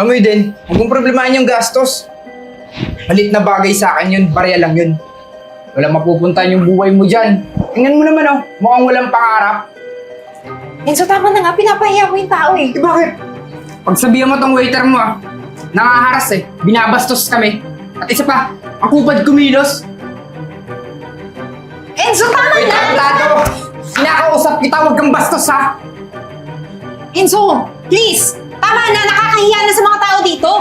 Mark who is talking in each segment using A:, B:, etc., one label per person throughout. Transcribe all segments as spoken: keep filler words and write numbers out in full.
A: Amoy din, huwag mong problemahin yung gastos. Malit na bagay sa akin yun, barya lang yun. Walang mapupuntahan yung buhay mo dyan. Tingnan mo naman oh, mukhang walang pangarap.
B: Enzo, tama na nga. Pinapahiya mo yung tao eh.
A: Eh bakit? Pagsabihan mo tong waiter mo ah, nangaharas eh, binabastos kami. At isa pa, ang kupad kumilos.
B: Enzo, tama
A: Wait,
B: na!
A: tablado! Sinakausap kita, huwag kang bastos ha!
B: Enzo, please! Tama na! Nakakahiya na sa mga tao dito!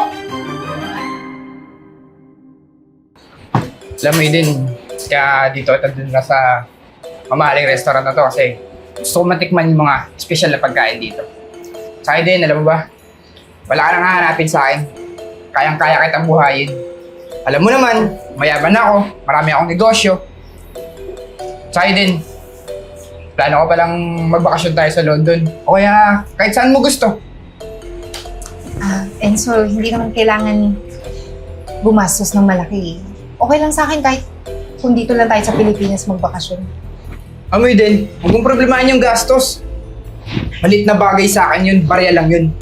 A: Alam mo din, kaya dito ito dun na sa mamahaling restaurant na to kasi gusto ko matikman yung mga special na pagkain dito. Sa'yo din, alam mo ba? Wala ka nang hahanapin sa akin. Kayang-kaya kitang buhayin. Alam mo naman, mayaman ako, marami akong negosyo. Sa'yo din, plano ko palang magbakasyon tayo sa London. O kaya kahit saan mo gusto.
B: Ah, Enzo, hindi naman kailangan gumastos ng malaki. Okay lang sa akin kahit kung dito lang tayo sa Pilipinas magbakasyon.
A: Amoy din, huwag mong problemahin yung gastos. Malit na bagay sa akin yun, barya lang yun.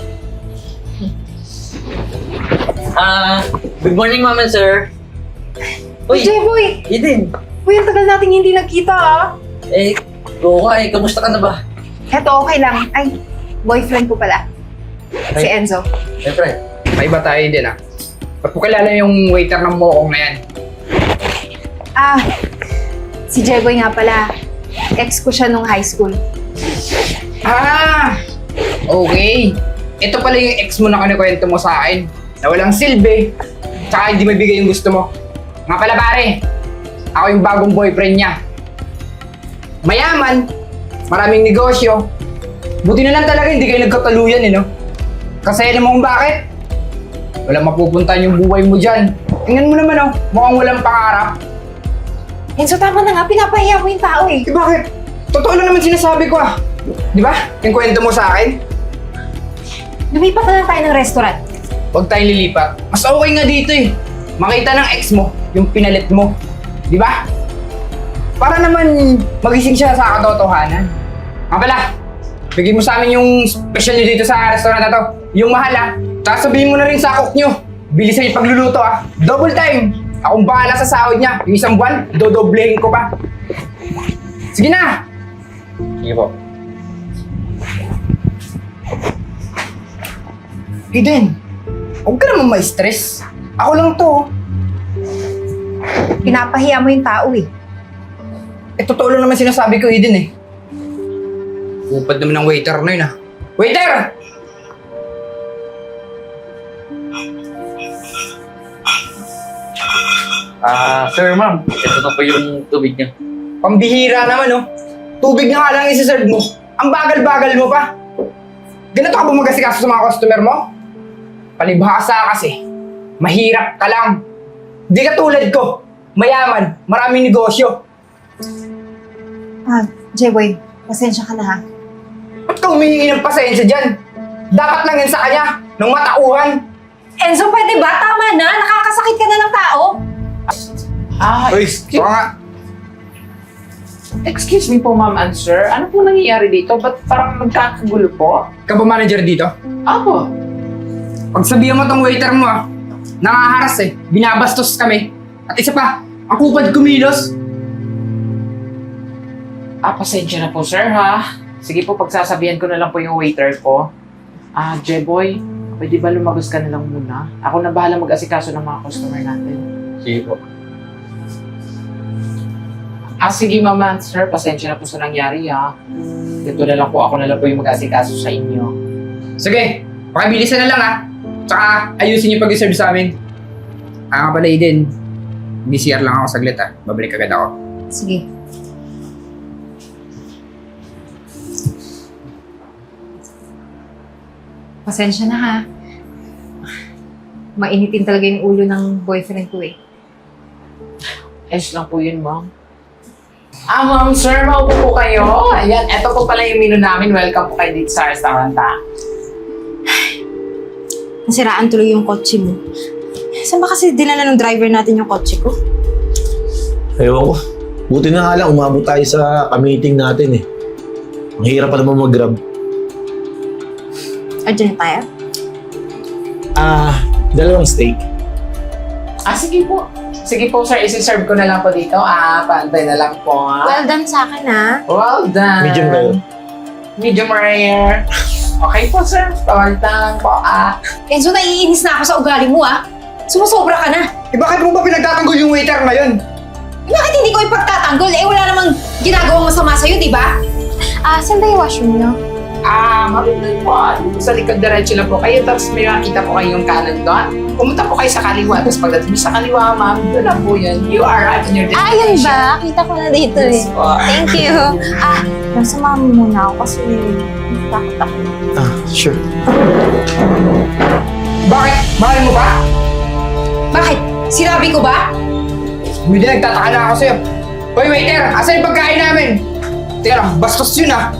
C: Ah, good morning, ma'am and sir.
B: Uy, Jeboy!
C: Eden.
B: Uy, ang tagal nating hindi nagkita ah.
C: Eh, go ka eh. Kamusta ka na ba?
B: Eto, okay lang. Ay, boyfriend ko pala. Si
C: Ay.
B: Enzo.
C: Siyempre.
A: May iba tayo din ah. Ba't mo kilala yung waiter ng mokong na yan?
B: Ah, si Jeboy nga pala. Ex ko siya nung high school.
A: Ah! Okay. Ito pala yung ex mo na kanikwento mo sa akin. Na walang silbi. Tsaka hindi mabigay yung gusto mo. Nga pala pare, ako yung bagong boyfriend niya. Mayaman, maraming negosyo. Buti na lang talaga hindi kayo nagkataluyan eh no? Kasi alam mo kung bakit? Walang mapupuntahan yung buhay mo dyan. Tingnan mo naman oh, mukhang walang pangarap.
B: Enzo, tama na nga. Pinapahiya mo yung tao eh.
A: Eh bakit? Totoo lang naman sinasabi ko ah. Di ba? Yung kwento mo sa akin.
B: Lumipat na lang tayo ng restaurant.
A: Huwag tayong lilipat. Mas okay nga dito eh. Makita ng ex mo, yung pinalit mo. Di ba? Para naman magising siya sa katotohanan. Nga pala, bigay mo sa amin yung special nyo dito sa restaurant na to. Yung mahal ah. Tapos sabihin mo na rin sa cook nyo. Bilisan yung pagluluto ah. Double time. Akong bahala sa sahod niya. Yung isang buwan, dodoblehin ko pa. Sige na!
C: Sige po.
A: Eden, huwag ka naman ma-stress. Ako lang to.
B: Pinapahiya mo yung tao eh.
A: Eh, totoo lang naman sinasabi ko, Eden eh. Upad naman ng waiter na yun ah. Waiter!
C: Ah, sir, ma'am. Ito na po yung tubig niya.
A: Pambihira naman oh. Tubig na nga lang isi-serve mo. Ang bagal-bagal mo pa. Ganito ka ba mag-asikaso sa mga customer mo? Palibhasa kasi. Mahirap ka lang. Di ka tulad ko. Mayaman, maraming negosyo.
B: Ah, Jeboy, pasensya ka na ha.
A: Ba't ka humihingi ng pasensya dyan? Dapat lang yan sa kanya, ng matauhan.
B: Enzo, pwede ba? Tama na. Nakakasakit ka na ng tao.
D: Ah,
A: Uy,
D: excuse,
A: baka nga.
D: excuse me po, ma'am and sir. Ano po nangyayari dito? Ba't parang nagkakagulo po?
A: Ka ba manager dito?
D: Apo.
A: Pagsabihan mo tong waiter mo ah, nangaharas eh, binabastos kami. At isa pa, ang kupad kumilos.
D: Ah, pasensya na po, sir, ha? Sige po, pagsasabihan ko na lang po yung waiter ko. Ah, Jeboy, pwede ba lumagos ka na lang muna? Ako na bahala mag-asikaso ng mga customer natin.
C: Sige po.
D: Ah, sige, mama and sir, pasensya na po sa nangyari, ha? Dito na lang po, ako na lang po yung mag-asikaso sa inyo.
A: Sige, pakibilisan na lang ah. Tsaka ayusin yung pag-serve sa amin. Ah nga pala Eden, B C R lang ako saglit ah. Babalik agad ako.
B: Sige. Pasensya na ha. Mainitin talaga yung ulo ng boyfriend ko eh.
D: Ayos lang po yun, ma'am. Ah, ma'am, sir, maupo po kayo. Ayan, eto po pala yung menu namin. Welcome po kayo dito sa restaurant, ha?
B: Nasiraan tuloy yung kotse mo. Saan ba kasi dinala ng driver natin yung kotse ko?
E: Ewan ko. Buti na nga lang, umabot tayo sa ka-meeting natin eh. Ang hirap pa naman mag-grab.
B: Ardiyan na tayo?
E: Ah, dalawang steak.
D: Ah, sige po. Sige po, sir. Isi-serve ko na lang po dito. Ah, pantay na lang po. ah.
B: Well done sa akin, ha?
D: Well done.
E: Medium rare.
D: Medium rare. Okay po, sir. Pantay lang po. Ah.
B: Enzo, naiinis na ako sa ugali mo, ha? Sumusobra ka na.
A: Eh bakit mo ba pinagtatanggol yung waiter ngayon?
B: Eh, bakit hindi ko ipagtatanggol? Eh, wala namang ginagawang masama sa'yo, di ba? Ah, saan ba yung washroom niyo?
D: Ah, mabibig po. Dito sa likod, diretso lang po kayo. Tapos may makita po kayong kanan doon. Pumunta po kayo sa kaliwa. Tapos pagdating sa kaliwa, ma'am, doon lang po yun. You are right in your
F: Ah, yun ba? Kita ko na dito eh.
D: Yes po.
F: Thank you. Ah, nasa mami muna ako kasi takot ako.
E: Ah, sure.
A: Bakit? Mahal mo ba?
B: Bakit? Sinabi ko ba?
A: Hindi, nagtataka na ako sa'yo. Hoy waiter, asan yung pagkain namin? Teka lang, bastos yun ah.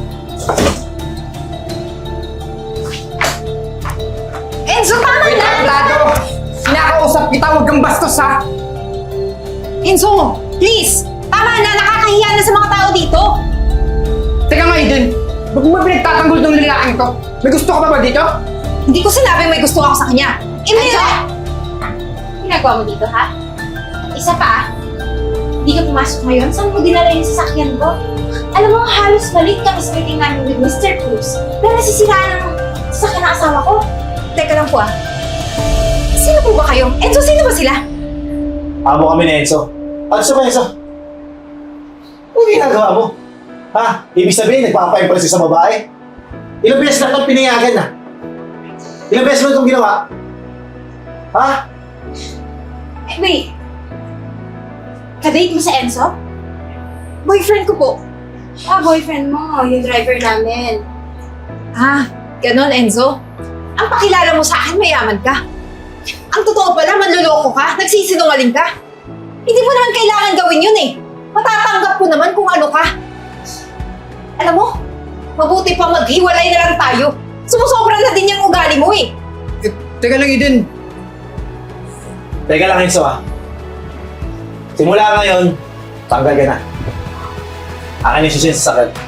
B: Enzo, tama
A: Wait,
B: na!
A: Plado! Sinakausap kita, huwag kang bastos ha!
B: Enzo, please! Tama na! Nakakahiya na sa mga tao dito!
A: Teka nga Eden, ba't mo ba pinagtatanggol tong lalaking to? May gusto ka pa ba dito?
B: Hindi ko sinabing may gusto ako sa kanya.
F: Enzo! Ginagawa mo dito, ha? Isa pa, hindi ka pumasok ngayon. Saan mo dinala yung sasakyan ko? Alam mo, halos balik kami sa meeting namin with Mister Cruz. Dahil nasisiraan ng sasakyan ng asawa ko.
B: Teka lang po ah. Sino po ba kayo? Enzo, sino ba sila?
E: Amo kami ni Enzo. Ano sa ba, Enzo? Ano ginagawa mo? Ha? Ibig sabihin, nagpapa-impress ka sa babae? Ilang beses na itong pinayagan na? Ilang beses mo itong ginawa? Ha?
F: Eh, wait. Kadate mo sa Enzo?
B: Boyfriend ko po.
F: Ah, boyfriend mo. Yung driver namin.
B: Ah, ganon Enzo. Ang pakilala mo sa akin, mayaman ka. Ang totoo pala, manloloko ka, nagsisinungaling ka. Hindi mo naman kailangan gawin yun eh. Matatanggap ko naman kung ano ka. Alam mo, mabuti pa maghiwalay na lang tayo. Sumusobra na din yung ugali mo eh.
A: Eh, teka lang Eden,
E: Teka lang, Enzo ah. Simula ngayon, tanggal ka na. Akin yung susunod sa sakal.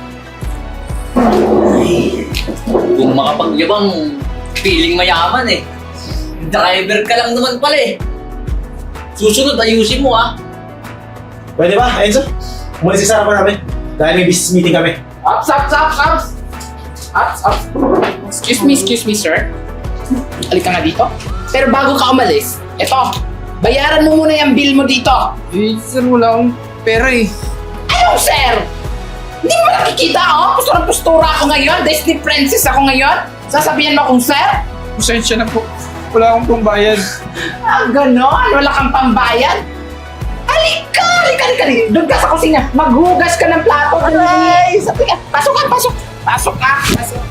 C: Kung makapagyabang, feeling mayaman eh. Driver ka lang naman pala eh. Susunod, ayusin mo ah.
E: Pwede ba, Enzo? Umalis sa sarapan namin. Dahil may business meeting kami.
D: Ups, ups, ups, ups. Ups, ups. Excuse me, excuse me, sir. Halika nga dito. Pero bago ka umalis, eto, bayaran mo muna yung bill mo dito.
A: eh sir, wala akong pera eh.
D: Ano, sir? Hindi mo nakikita, oh? Postura postura ako ngayon. Disney princess ako ngayon. Sasabihan mo akong sir?
A: Pasensya na po. Wala akong pambayad.
D: Ah, ganon. Wala kang pambayad. Halika, halika, halika. halika. Doon ka sa kusina. Maghugas ka ng plato. Ay, sabi ka. Pasok ka, pasok. Pasok ka. Pasok.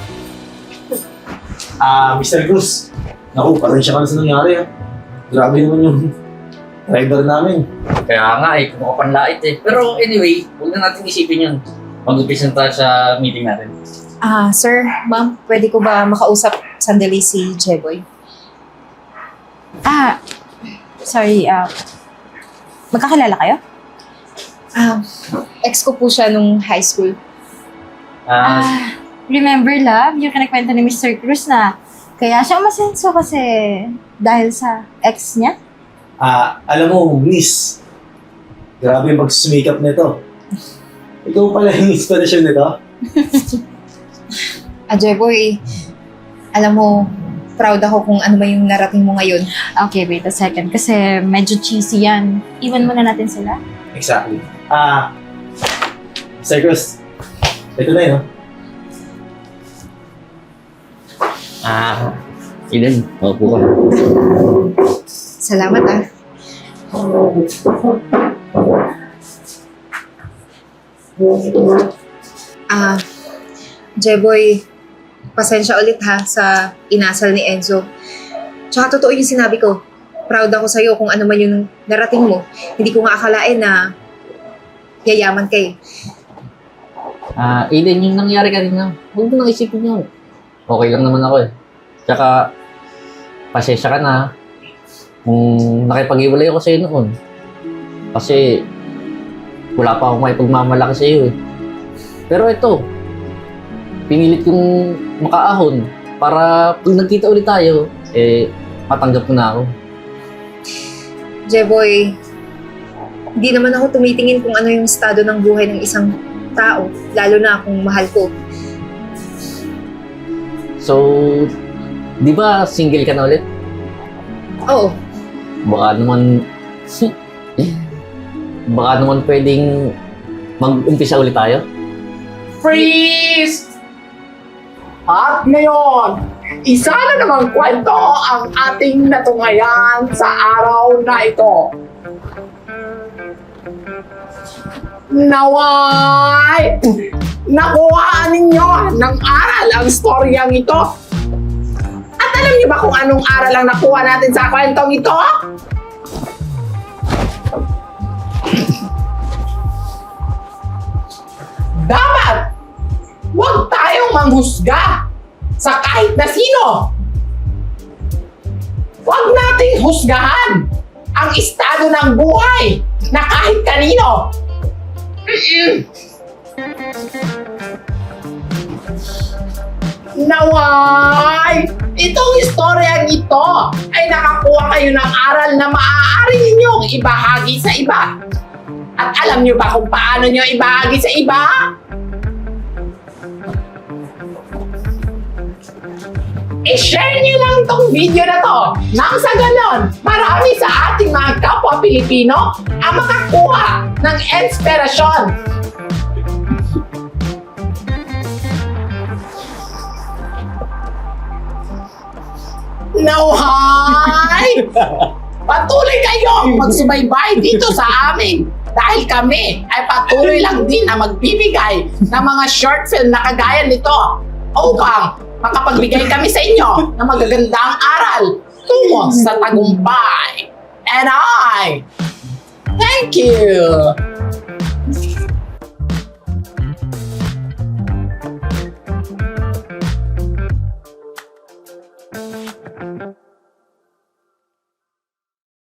E: Ah, Mister Cruz. Naku, pasensya ka na sa nangyari ah. Grabe naman yung driver namin.
C: Kaya nga eh, kung panlait eh. Pero anyway, huwag na natin isipin yun. Mag-upisa na tayo sa meeting natin.
B: Ah, sir, ma'am, pwede ko ba makausap sandali si Jeboy?
F: Ah, sorry. Ah, magkakilala kayo?
B: Ah, ex ko po siya nung high school.
C: Ah,
F: Ah, remember, love, yung kinakwento ni Mister Cruz na kaya siya umasenso kasi dahil sa ex niya?
E: Ah, alam mo, miss. Grabe yung pagsusumikap nito. Ikaw pala yung inspiration nito.
B: Ah, Jeboy, alam mo, proud ako kung ano ba yung narating mo ngayon.
F: Okay, wait a second. Kasi medyo cheesy yan. Iwan muna natin sila.
E: Exactly. Ah, Mister Cruz. Ito na yun, no?
C: ah, Eden, maupo ka.
B: Salamat ah. Ah, Jeboy, pasensya ulit ha sa inasal ni Enzo. Tsaka totoo yung sinabi ko. Proud ako sa'yo kung ano man yung narating mo. Hindi ko nga akalain na yayaman ka eh.
C: Ah, Eden, yung nangyari kanina, huwag mo nang isipin yun. Okay lang naman ako eh. Tsaka, pasensya ka na kung nakipag-iwalay ako sa'yo noon. Kasi, wala pa akong may pagmamalaki sa'yo eh. Pero ito, pinilit kong makaahon para pag nagkita ulit tayo, eh, matanggap mo na ako.
B: Jeboy, hindi naman ako tumitingin kung ano yung estado ng buhay ng isang tao, lalo na kung mahal ko.
C: So, di ba single ka na ulit?
B: Oo,
C: Baka naman, baka naman pwedeng mag-umpisa ulit tayo?
D: Freeze! At ngayon, isa na namang kwento ang ating natunghayan sa araw na ito. Naway! Nakuhaan ninyo ng aral ang storyang ito. At alam niyo ba kung anong aral ang nakuha natin sa kwentong ito? Dapat huwag tayong manghusga sa kahit na sino. Huwag nating husgahan ang estado ng buhay na kahit kanino. Mm-mm. Naway! Itong istoryang ito ay nakakuha kayo ng aral na maaari ninyong ibahagi sa iba. At alam niyo ba kung paano niyo ibahagi sa iba? I-share niyo lang tong video na to nang sa ganon, marami sa ating mga kapwa Pilipino ang makakuha ng inspirasyon. Nauhay! Patuloy kayong magsubaybay dito sa amin dahil kami ay patuloy lang din na magbibigay ng mga short film na kagaya nito upang makapagbigay kami sa inyo ng magagandang aral tungo sa tagumpay. And I thank you!